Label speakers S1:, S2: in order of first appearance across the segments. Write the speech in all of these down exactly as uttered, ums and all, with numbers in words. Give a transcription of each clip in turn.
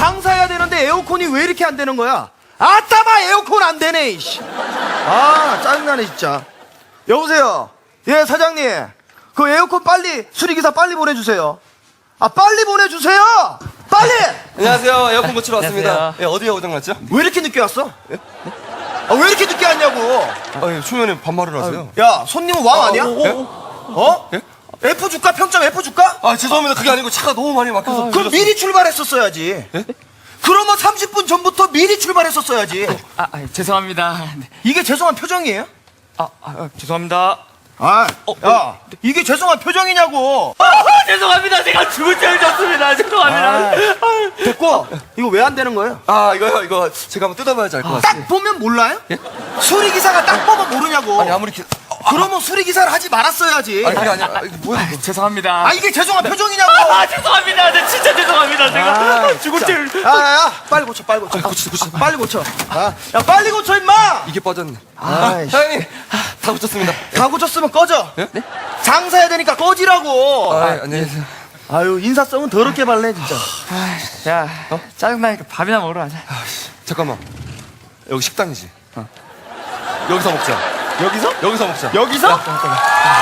S1: 장사해야 되는데 에어컨이 왜 이렇게 안 되는 거야? 아따마 에어컨 안 되네. 이씨. 아 짜증나네 진짜. 여보세요. 예 사장님. 그 에어컨 빨리 수리기사 빨리 보내주세요. 아 빨리 보내주세요. 빨리.
S2: 안녕하세요. 에어컨 고치러 왔습니다.
S3: 안녕하세요.
S2: 예, 어디에 고장났죠?
S1: 왜 이렇게 늦게 왔어? 예? 아, 왜 이렇게 늦게 왔냐고.
S2: 아, 예, 초면에 반말을 하세요.
S1: 야 손님은 왕 아니야?
S2: 예?
S1: 어?
S2: 예?
S1: F 줄까? 평점 F 줄까?
S2: 아, 죄송합니다. 그게 아니고 차가 너무 많이 막혀서.
S1: 그럼 미리 출발했었어야지.
S2: 예?
S1: 그러면 삼십 분 전부터 미리 출발했었어야지.
S3: 아, 아 죄송합니다. 네.
S1: 이게 죄송한 표정이에요?
S3: 아, 아, 아, 죄송합니다.
S1: 아,
S3: 어,
S1: 야, 이게 죄송한 표정이냐고.
S3: 아, 죄송합니다. 제가 죽을 죄를 졌습니다. 죄송합니다.
S1: 아, 됐고, 이거 왜 안 되는 거예요?
S2: 아, 이거요, 이거 제가 한번 뜯어봐야지 알 것 같아요.
S1: 딱 보면 몰라요? 수리기사가 딱 보면 모르냐고.
S2: 아니, 아무리 기...
S1: 그러면 수리기사를 하지 말았어야지.
S2: 아니, 그게 아니라, 아, 이거 뭐야, 이거.
S3: 죄송합니다.
S1: 아, 이게 죄송한 표정이냐고.
S3: 아, 죄송합니다. 네, 진짜 죄송합니다. 제가
S1: 아,
S3: 죽을
S1: 진짜.
S3: 죄를.
S1: 야, 야, 야, 빨리 고쳐, 빨리 고쳐.
S2: 고치자, 고치자.
S1: 빨리 고쳐. 아, 야, 빨리 고쳐, 임마!
S2: 이게 빠졌네.
S1: 아이씨.
S2: 사장님, 아, 다 고쳤습니다.
S1: 다 고쳤으면 꺼져.
S2: 예?
S1: 장사해야 되니까 꺼지라고.
S2: 아, 예, 안녕히 계세요.
S1: 아유, 인사성은 더럽게 발래, 진짜.
S3: 아, 야, 어? 짜증나니까 밥이나 먹으러 가자.
S2: 잠깐만. 여기 식당이지? 어. 여기서 먹자.
S1: 여기서?
S2: 여기서 먹자.
S1: 여기서?
S2: 야, 잠깐만.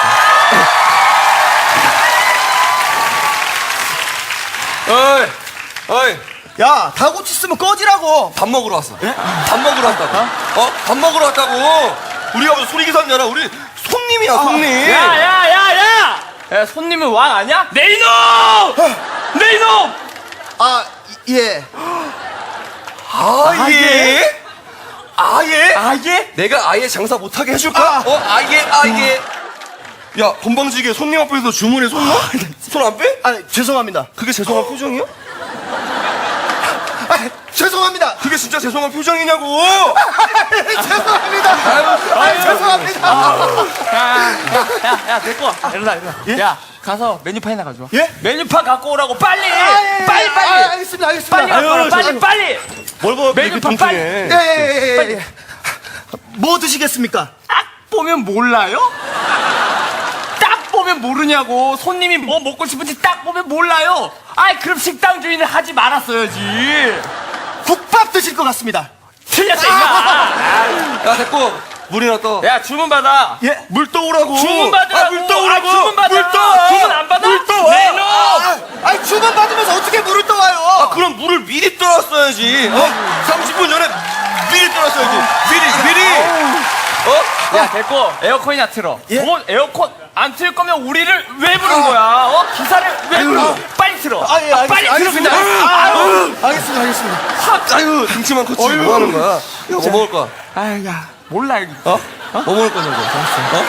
S2: 어이, 어이.
S1: 야, 다 고쳤으면 꺼지라고.
S2: 밥 먹으러 왔어. 밥 먹으러 왔다고. 어? 밥 먹으러 왔다고. 우리가 무슨 소리기사냐라. 우리 손님이야, 손님.
S3: 야, 야, 야, 야! 야, 손님은 왕 아니야? 내 이놈! 내 이놈!
S1: 아, 이- 예.
S2: 아, 예? 아예?
S3: 아예?
S2: 내가 아예 장사 못하게 해줄까?
S1: 아.
S2: 어, 아예, 아예. 야, 건방지게 손님 앞에서 주문에 손 넣어? 손 안 빼?
S1: 아, 죄송합니다.
S2: 그게 죄송한 표정이야?
S1: 아, 죄송합니다.
S2: 그게 진짜 죄송한 표정이냐고!
S1: 죄송합니다. 아, 죄송합니다.
S3: 야, 야, 야, 됐고. 일어나, 일어나.
S1: 예?
S3: 야, 가서 메뉴판이나 가져와.
S1: 예?
S3: 메뉴판 갖고 오라고, 빨리!
S1: 아, 예, 예.
S3: 빨리,
S1: 아,
S3: 빨리!
S1: 알겠습니다, 알겠습니다.
S3: 빨리 갖고 오라, 빨리,
S1: 아유,
S3: 빨리!
S2: 뭘 봐, 이렇게
S3: 메뉴판
S2: 통통해.
S1: 예, 예, 예, 예. 뭐 드시겠습니까?
S3: 딱 보면 몰라요? 딱 보면 모르냐고. 손님이 뭐 먹고 싶은지 딱 보면 몰라요. 아이, 그럼 식당 주인을 하지 말았어야지.
S1: 국밥 드실 것 같습니다.
S3: 틀렸어, 임마.
S2: 야, 됐고, 물이나 떠.
S3: 야, 주문 받아.
S1: 예?
S2: 물 떠오라고!
S3: 주문 받으라고.
S2: 아, 물 떠오라고!
S3: 아, 주문 받아.
S2: 물 떠!
S3: 주문 안 받아?
S2: 물 떠!
S3: 내 놈!
S1: 아, 아니, 주문 받으면서 어떻게 물을 떠와요?
S2: 아, 그럼 물을 미리 떠놨어야지. 어? 삼십 분 전에 미리 떠났어야지. 미리, 미리! 어?
S3: 야, 됐고, 에어컨이나 틀어.
S1: 예?
S3: 뭐, 에어컨 안 틀 거면 우리를 왜 부른 거야? 어? 기사를 왜 불러? 빨리 틀어.
S1: 아, 예,
S3: 아,
S1: 알겠습니다.
S3: 빨리 틀어, 그냥.
S1: 알겠습니다.
S3: 아유.
S1: 알겠습니다, 알겠습니다.
S2: 아유, 등치만 컸지. 뭐 하는 거야? 야, 뭐 먹을 거야?
S3: 아유, 야, 몰라, 이거.
S2: 어? 뭐 먹을 거냐고. 어?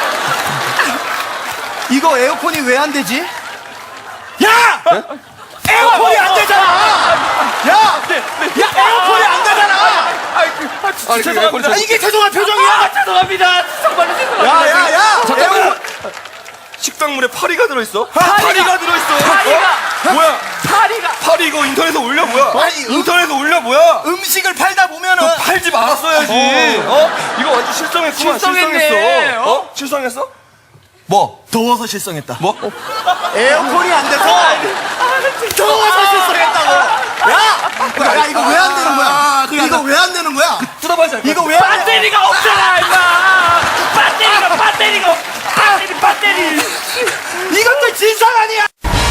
S1: 이거 에어컨이 왜 안 되지? 야! 에어컨이 안 되잖아! 야! 야, 에어컨이 안 되잖아!
S3: 아이, 그, 아, 진짜
S2: 아니, 그
S3: 죄송합니다.
S2: 에어컨이
S1: 아, 이게 죄송한 표정이야!
S3: 아, 죄송합니다. 정말로 죄송합니다.
S1: 야, 야, 야!
S3: 잠깐만.
S1: 에어컨-
S2: 식당물에 파리가 들어있어?
S3: 파리가-
S2: 들어있어!
S3: 파리가!
S2: 어? 뭐야?
S3: 파리가.
S2: 파리 이거 인터넷에 올려 뭐야?
S1: 아니, 음-
S2: 인터넷에 올려 뭐야?
S1: 음식을 팔다 보면은
S2: 너 팔지 말았어야지. 어? 이거 완전 실성했구만.
S3: 실성했네.
S2: 실성했어.
S3: 어?
S2: 어? 실성했어? 뭐?
S1: 더워서 실성했다.
S2: 뭐?
S1: 에어컨이 안 돼서 더워서 실성했다고. 야, 야, 이거 왜 안 되는 거야? 이거 왜 안 되는 거야?
S2: 뜯어봐야지.
S1: 이거 왜 안 돼?
S3: 배터리가 없잖아, 임마. 배터리가, 배터리가 없- 배터리, 배터리.
S1: 이것도 진상 아니야?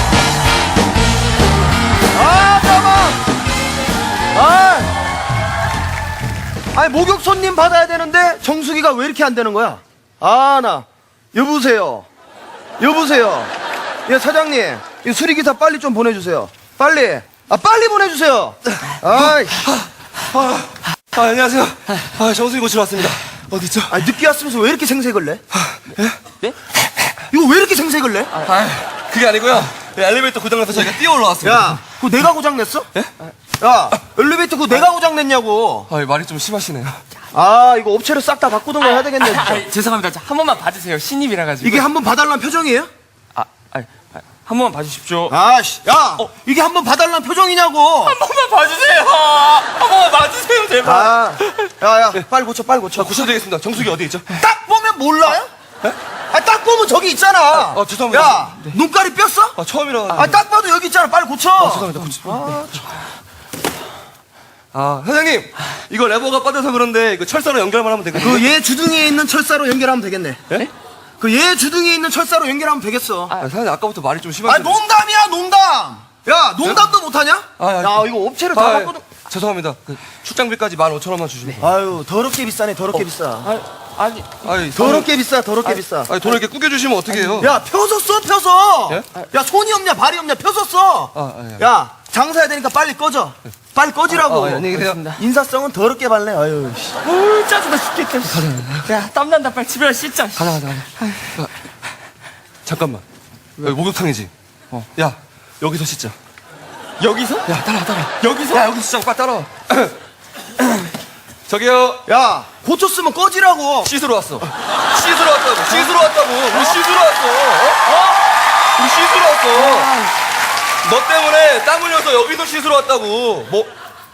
S1: 아, 잠깐만. 아, 아니 목욕 손님 받아야 되는데 정수기가 왜 이렇게 안 되는 거야? 아, 나 여보세요. 여보세요. 예, 사장님. 이 수리기사 빨리 좀 보내주세요. 빨리. 아, 빨리 보내주세요. 아이.
S2: 아, 아, 안녕하세요. 아, 정수기 고치러 왔습니다. 어디죠?
S1: 아, 늦게 왔으면서 왜 이렇게 생색을 내?
S3: 네?
S1: 이거 왜 이렇게 생색을 내?
S2: 아, 그게 아니고요. 엘리베이터 고장나서 저희가 뛰어 올라왔습니다.
S1: 야, 그거 내가 고장냈어? 야, 엘리베이터 그거 내가 고장냈냐고.
S2: 아, 말이 좀 심하시네요.
S1: 아, 이거 업체를 싹 다 바꾸던가 해야 되겠네, 진짜.
S3: 아, 아, 죄송합니다. 자, 한 번만 봐주세요. 신입이라 가지고.
S1: 이게 한번 봐달라는 표정이에요?
S3: 아, 아, 아, 한 번만 봐주십시오.
S1: 아씨, 야, 이게 한번 봐달라는 표정이냐고.
S3: 한 번만 봐주세요. 한 번만 봐주세요, 제발.
S1: 아, 야, 야, 빨리 고쳐, 빨리 고쳐.
S2: 자, 고쳐야 되겠습니다. 정수기 어디 있죠?
S1: 딱 보면 몰라요? 아, 딱 보면 저기 있잖아.
S2: 아, 죄송합니다.
S1: 야, 눈깔이 뼈어?
S2: 아, 처음이라.
S1: 아, 딱 봐도 여기 있잖아. 빨리 고쳐.
S2: 죄송합니다. 고치.
S1: 아,
S2: 아, 사장님, 이거 레버가 빠져서 그런데 이거 철사로 연결만 하면 되거든요.
S1: 그 얘 주둥이에 있는 철사로 연결하면 되겠네.
S2: 예?
S1: 그 얘 주둥이에 있는 철사로 연결하면 되겠어.
S2: 아, 사장님 아까부터 말이 좀
S1: 아,
S2: 심한데.
S1: 농담이야, 농담. 야, 농담도 못하냐?
S2: 아, 아,
S1: 야, 이거 업체를
S2: 아,
S1: 다
S2: 예.
S1: 바꿔도.
S2: 죄송합니다. 그 출장비까지 만 오천 원만 주시면.
S1: 아유, 더럽게 비싸네, 더럽게 비싸.
S3: 아, 아니
S2: 아니,
S1: 더럽게 비싸, 더럽게 비싸.
S2: 아니, 돈을 이렇게 꾸겨주시면 어떡해요?
S1: 야, 펴서 써, 펴서.
S2: 예?
S1: 야, 손이 없냐, 발이 없냐, 펴서 써.
S2: 아, 아, 예.
S1: 야, 장사해야 되니까 빨리 꺼져. 빨리 꺼지라고.
S2: 아, 아, 안녕히 계세요.
S1: 인사성은 더럽게 발래. 아유, 씨.
S3: 뭘 짜증나 죽겠다. 씨. 야 땀난다 빨리 집에 가 씻자. 씨.
S2: 가자, 가자, 가자. 아, 잠깐만. 여기 목욕탕이지? 어. 야, 여기서 씻자.
S3: 여기서?
S2: 야, 따라와, 따라와.
S3: 여기서?
S2: 야, 여기서 씻자. 빨리 따라와. 저기요.
S1: 야, 고쳤으면 꺼지라고.
S2: 씻으러 왔어. 씻으러 왔다고. 씻으러 왔다고. 우리 씻으러 왔어. 어? 어? 우리 씻으러 왔어. 너 때문에 땀 흘려서 여기서 씻으러 왔다고. 뭐?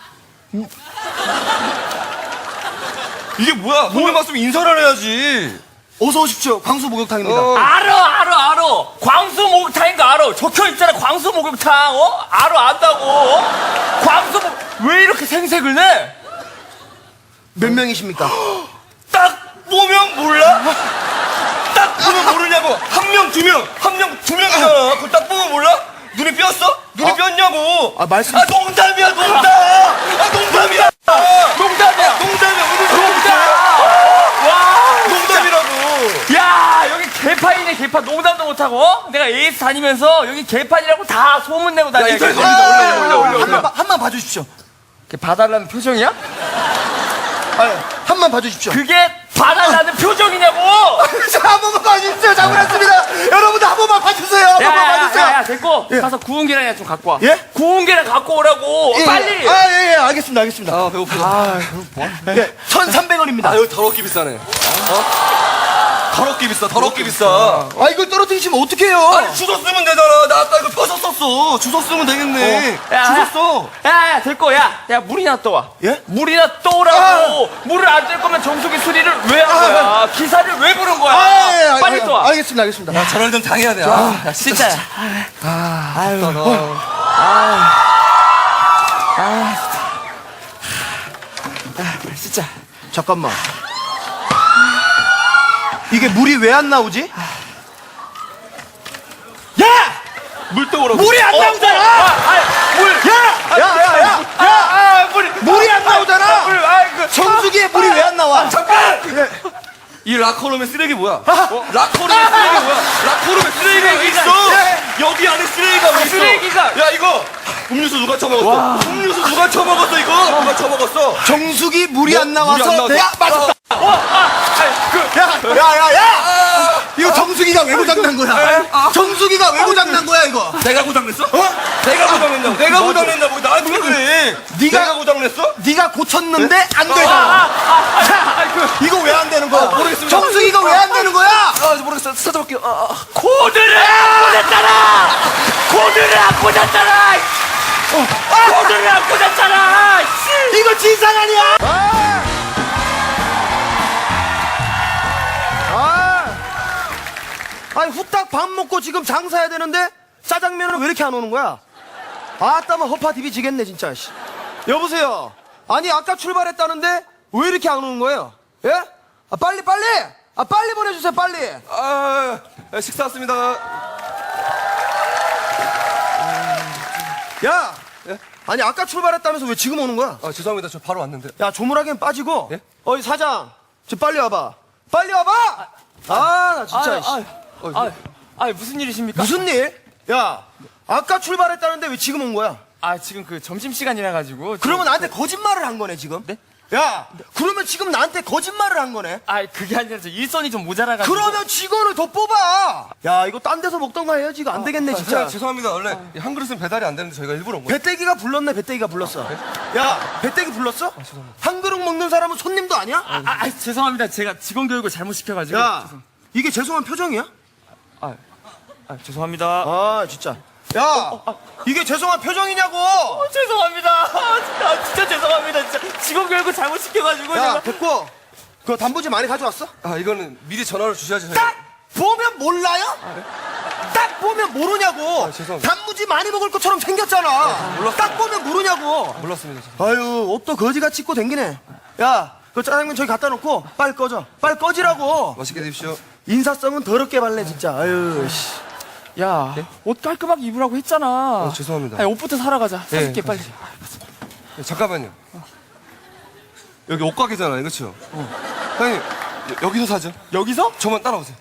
S2: 이게 뭐야? 손님 왔으면 인사를 해야지.
S1: 어서 오십시오. 광수 목욕탕입니다.
S2: 어.
S3: 알아 알아 알아. 광수 목욕탕인 거 알아. 적혀 있잖아 광수 목욕탕. 어? 알아 안다고. 어? 광수 목... 왜 이렇게 생색을 내?
S1: 몇 명이십니까?
S2: 딱 보면 몰라? 딱 보면 모르냐고. 한 명, 두 명, 한 명, 두 명이잖아. 그걸 딱 보면 몰라? 눈이 삐었어? 눈이
S1: 아.
S2: 삐었냐고.
S1: 아, 말씀-
S2: 아, 농담이야, 농담. 아, 농담이야.
S3: 농담이야.
S2: 농담이야. 오늘
S3: 농담.
S2: 농담.
S3: 와.
S2: 농담이라고.
S3: 야 여기 개판이네 개판. 농담도 못하고. 어? 내가 에이스 다니면서 여기 개판이라고 다 소문내고 다녀.
S2: 인터넷
S3: 이게.
S2: 올려, 올려, 올려, 올려,
S1: 한
S2: 올려.
S1: 번, 한번 봐주십시오.
S3: 이렇게 봐달라는 표정이야?
S1: 아, 한번 봐주십시오.
S3: 그게 봐달라는 표정이냐고.
S1: 자, 한 번만 봐주십시오. 잘못했습니다. 여러분들 한 번만 봐주세요. 한 번만 봐주세요.
S3: 야야야 됐고
S1: 예.
S3: 가서 구운 계란이나 좀 갖고 와.
S1: 예?
S3: 구운 계란 갖고 오라고.
S1: 예,
S3: 빨리.
S1: 예. 아, 예, 예. 알겠습니다. 알겠습니다.
S2: 아, 배고프다.
S1: 예, 천삼백 원입니다.
S2: 아, 여기 더럽게 비싸네. 어? 더럽게 비싸, 더럽게 비싸.
S1: 아, 이걸 떨어뜨리시면 어떡해요?
S2: 아니, 주소 쓰면 되잖아. 나 아까 이거 펴서 썼어. 주소 쓰면 되겠네.
S3: 야,
S2: 주소
S3: 야.
S2: 써.
S3: 야야 됐고 야야 물이나 떠와.
S1: 예?
S3: 물이나 떠오라고. 물을 안 뜰 거면 정수기 수리를 왜 한 거야? 기사를 왜 부른 거야?
S1: 아, 예, 예.
S3: 빨리
S1: 아,
S3: 떠와.
S1: 알겠습니다. 알겠습니다.
S2: 야, 저럴 땐 당해야 돼. 아, 야,
S3: 진짜.
S2: 아,
S3: 아유.
S2: 나, 나.
S3: 진짜.
S1: 잠깐만. 이게 물이 왜 안 나오지? 야!
S2: 물 떠오라고.
S1: 물이 안 나오잖아!
S3: 아, 물.
S1: 야! 야, 야, 야!
S3: 아, 아, 물.
S1: 물이 안 나오잖아!
S3: 물. 아, 그.
S1: 정수기에 물이 왜 안 나와?
S2: 잠깐! 이 라커룸의 쓰레기 뭐야? 어? 라커룸의 쓰레기 뭐야? 라커룸의 쓰레기가 왜
S3: 쓰레기가
S2: 있어?
S3: 있어.
S2: 여기 안에 쓰레기가 왜 있어?
S3: 쓰레기가.
S2: 야, 이거 음료수 누가 처먹었어? 음료수 누가 처먹었어, 이거? 누가 처먹었어?
S1: 정수기 물이 안 나와서
S2: 물이 안 나와서.
S1: 내가 맞았다!
S3: 어, 아, 아니, 그.
S1: 야, 야, 야, 야! 이거 정수기가 왜 고장난 거야? 정수기가 왜 고장난 거야, 이거?
S2: 내가 고장냈어? 어? 내가 고장냈냐고? 내가 고장냈냐고? 나한테 왜 그래?
S1: 네가-
S2: 내가 고장냈어?
S1: 네가 고쳤는데 안
S3: 아,
S1: 되잖아.
S3: 아, 아, 아, 그.
S1: 이거 왜 안 되는 거야?
S2: 모르겠습니다.
S1: 정수기가 왜 안 되는 거야?
S2: 아, 모르겠어. 찾아볼게요. 아, 아.
S3: 코드를 안 꽂았잖아! 코드를 안 꽂았잖아! 어, 코드를 안 꽂았잖아! 씨.
S1: 이거 진상 아니야? 아! 아! 아니 후딱 밥 먹고 지금 장사해야 되는데 짜장면은 왜 이렇게 안 오는 거야? 아따마 허파 디비 지겠네 진짜. 씨. 여보세요. 아니 아까 출발했다는데 왜 이렇게 안 오는 거예요? 예? 아 빨리 빨리! 아 빨리 보내주세요 빨리.
S2: 아, 아, 식사 왔습니다.
S1: 야.
S2: 예?
S1: 아니 아까 출발했다면서 왜 지금 오는 거야?
S2: 아, 죄송합니다. 저 바로 왔는데.
S1: 야 조물하기엔 빠지고.
S2: 예?
S1: 어이 사장. 저 빨리 와봐. 빨리 와봐. 아 나 진짜.
S3: 아,
S1: 씨.
S3: 아, 아, 아, 무슨 일이십니까?
S1: 무슨 일? 야, 아까 출발했다는데 왜 지금 온 거야?
S3: 아, 지금 그 점심시간이라 가지고.
S1: 그러면 나한테 거짓말을 한 거네, 지금?
S3: 네?
S1: 야, 그러면 지금 나한테 거짓말을 한 거네?
S3: 아, 그게 아니라 저 일선이 좀 모자라가지고.
S1: 그러면 직원을 더 뽑아! 야, 이거 딴 데서 먹던가 해야지. 이거 안 되겠네, 진짜.
S2: 아, 죄송합니다. 원래 이한 그릇은 배달이 안 되는데 저희가 일부러 온 거예요.
S1: 배때기가 불렀네, 배때기가 불렀어. 야, 배때기 불렀어? 한 그릇 먹는 사람은 손님도 아니야?
S3: 아, 아, 아, 죄송합니다. 제가 직원 교육을 잘못 시켜가지고.
S1: 야,
S3: 죄송,
S1: 이게 죄송한 표정이야?
S3: 아, 아, 죄송합니다.
S1: 아, 진짜. 야, 이게 죄송한 표정이냐고!
S3: 어, 죄송합니다. 아, 진짜, 진짜 죄송합니다. 진짜 직원 교육을 잘못 시켜가지고.
S1: 야,
S3: 제가.
S1: 됐고. 그 단무지 많이 가져왔어?
S2: 아, 이거는 미리 전화를 주셔야지. 저희가.
S1: 딱 보면 몰라요? 딱 보면 모르냐고.
S2: 아, 죄송합니다.
S1: 단무지 많이 먹을 것처럼 생겼잖아.
S2: 몰랐어요.
S1: 딱 보면 모르냐고.
S2: 몰랐습니다.
S1: 아유, 옷도 거지같이 입고 댕기네. 야, 그 짜장면 저기 갖다 놓고 빨리 꺼져. 빨리 꺼지라고.
S2: 맛있게 드십시오.
S1: 인사성은 더럽게 발래 진짜. 아유, 씨.
S3: 야, 옷 깔끔하게 입으라고 했잖아.
S2: 아, 죄송합니다.
S3: 아니, 옷부터 사러 가자. 사줄게,
S2: 예,
S3: 빨리.
S2: 네, 잠깐만요. 여기 옷가게잖아요, 그렇죠? 사장님, 여- 여기서 사죠.
S3: 여기서?
S2: 저만 따라오세요.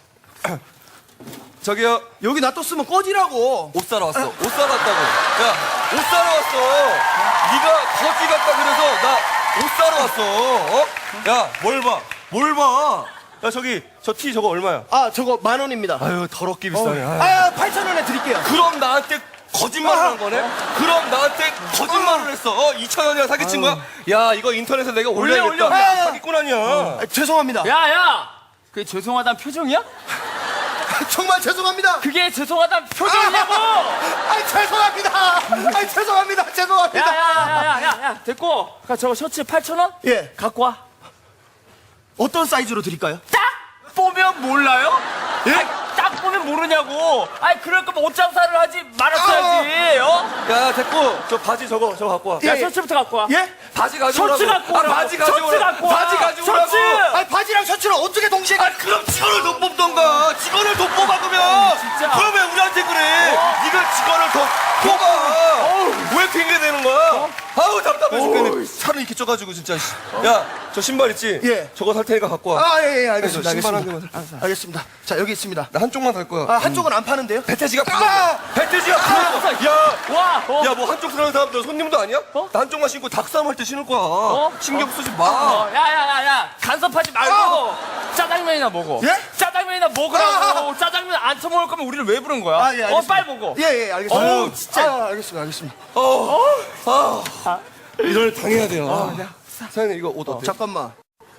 S2: 저기요,
S1: 여기 놔뒀으면 꺼지라고.
S2: 옷 사러 왔어. 옷 사러 왔다고. 야, 옷 사러 왔어. 네가 거지 같다 그래서 나 옷 사러 왔어. 어? 야, 뭘 봐? 뭘 봐? 야, 저기 저 티 저거 얼마야?
S1: 아, 저거 만 원입니다.
S2: 아유, 더럽게 비싸네. 아유.
S1: 아, 팔천 원에 드릴게요.
S2: 그럼 나한테 거짓말을 한 거네? 그럼 나한테 거짓말을 했어. 어, 이천 원이랑 사기친 거야? 야, 이거 인터넷에 내가 올려야겠다.
S3: 올려, 올려.
S1: 아,
S2: 사기꾼 아니야.
S1: 아, 죄송합니다.
S3: 야, 야! 그게 죄송하다는 표정이야?
S1: 정말 죄송합니다.
S3: 그게 죄송하다는 표정이냐고!
S1: 아, 죄송합니다. 아, 죄송합니다.
S3: 야,
S1: 죄송합니다.
S3: 야, 야, 야, 야, 야, 됐고. 그 저거 셔츠 팔천 원?
S1: 예.
S3: 갖고 와.
S1: 어떤 사이즈로 드릴까요?
S3: 딱 보면 몰라요?
S1: 예?
S3: 아이, 딱 보면 모르냐고. 아이, 그럴 거면 옷 장사를 하지 말았어야지. 어?
S2: 야, 됐고. 저 바지 저거, 저거 갖고 와.
S3: 야,
S1: 예.
S3: 셔츠부터 갖고 와.
S1: 예?
S2: 바지 가져오라고.
S3: 셔츠 갖고
S2: 아,
S3: 오라고.
S2: 바지 가져오라고.
S3: 셔츠 갖고 와.
S2: 바지 가져오라고.
S3: 셔츠!
S1: 아, 바지랑 셔츠를 어떻게 동시에 가?
S2: 아, 그럼 직원을 더 뽑던가. 직원을 더 뽑아, 그러면.
S3: 진짜.
S2: 그럼 왜 우리한테 그래?
S3: 어?
S2: 네가 직원을 더 뽑아. 왜 핑계 대는 거야? 아우, 답답해 죽겠네. 살을 이렇게 쪄가지고, 진짜. 씨. 야, 저 신발 있지?
S1: 예.
S2: 저거 살 테니까 갖고 와.
S1: 아, 예, 예, 알겠습니다.
S2: 그래서 신발 한
S1: 알겠습니다.
S2: 개만 살
S1: 알겠습니다. 자, 여기 있습니다.
S2: 나 한쪽만 살 거야.
S1: 아, 한쪽은 안 파는데요?
S2: 배태지가
S1: 아!
S2: 배태지가 부러워. 야,
S3: 와, 어.
S2: 야, 뭐 한쪽 사는 사람들 손님도 아니야?
S3: 어?
S2: 나 한쪽만 신고 닭싸움 할 때 신을 거야.
S3: 어?
S2: 신경 쓰지 마.
S3: 어, 야, 야, 야, 야, 간섭하지 말고 짜장면이나 먹어.
S1: 예?
S3: 짜장면이나 먹으라고. 짜장면 안 처먹을 거면 우리를 왜 부른 거야?
S1: 아, 예, 알겠습니다.
S3: 어, 빨리 먹어.
S1: 예, 예, 알겠습니다.
S3: 어우, 진짜.
S1: 아, 알겠습니다. 알겠습니다.
S2: 어, 아, 이걸 당해야 돼요. 아, 사장님 이거 옷 어때요?
S1: 잠깐만.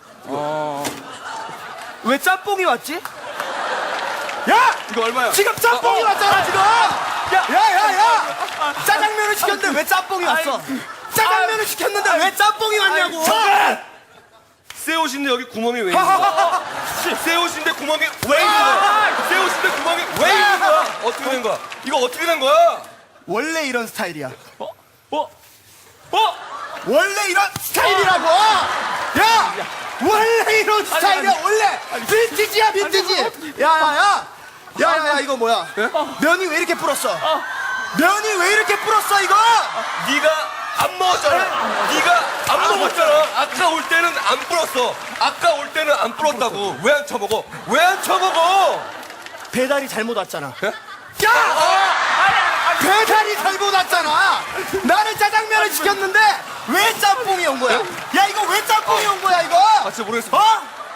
S1: 왜 짬뽕이 왔지? 야!
S2: 이거 얼마야?
S1: 지금 짬뽕이
S2: 어,
S1: 왔잖아, 지금! 야, 야, 야! 짜장면을 시켰는데 왜 짬뽕이 왔어? 짜장면을 시켰는데 왜 짬뽕이 왔냐고!
S2: 새 옷인데 여기 구멍이 왜 있는 거야? 새 옷인데 구멍이 왜 있는 거야? 새 옷인데 구멍이 왜 있는 거야? 어떻게 된 거야? 이거 어떻게 된 거야?
S1: 원래 이런 스타일이야.
S3: 어? 어? 어?
S1: 원래 이런 스타일이라고! 야! 원래 이런 스타일이야, 원래! 빈티지야, 빈티지! 야, 야, 야! 야, 야, 야, 이거 뭐야? 면이 왜 이렇게 불었어? 면이 왜 이렇게 불었어, 이거?
S2: 네가 안 먹었잖아. 네가 안 먹었잖아. 아까 올 때는 안 불었어. 아까 올 때는 안 불었다고. 왜 안 쳐먹어? 왜 안 쳐먹어?
S1: 배달이 잘못 왔잖아.
S2: 예?
S1: 야! 배달이 잘못 왔잖아! 나는 짜장면을 시켰는데 왜 짬뽕이 온 거야? 야, 이거 왜 짬뽕이 온 거야, 이거?
S2: 아, 진짜 모르겠어.
S1: 어?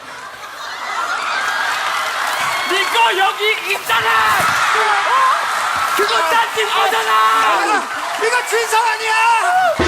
S3: 이거 여기 있잖아!
S1: 그거
S3: 딴짓 거잖아!
S1: 아, 이거 진상 아니야!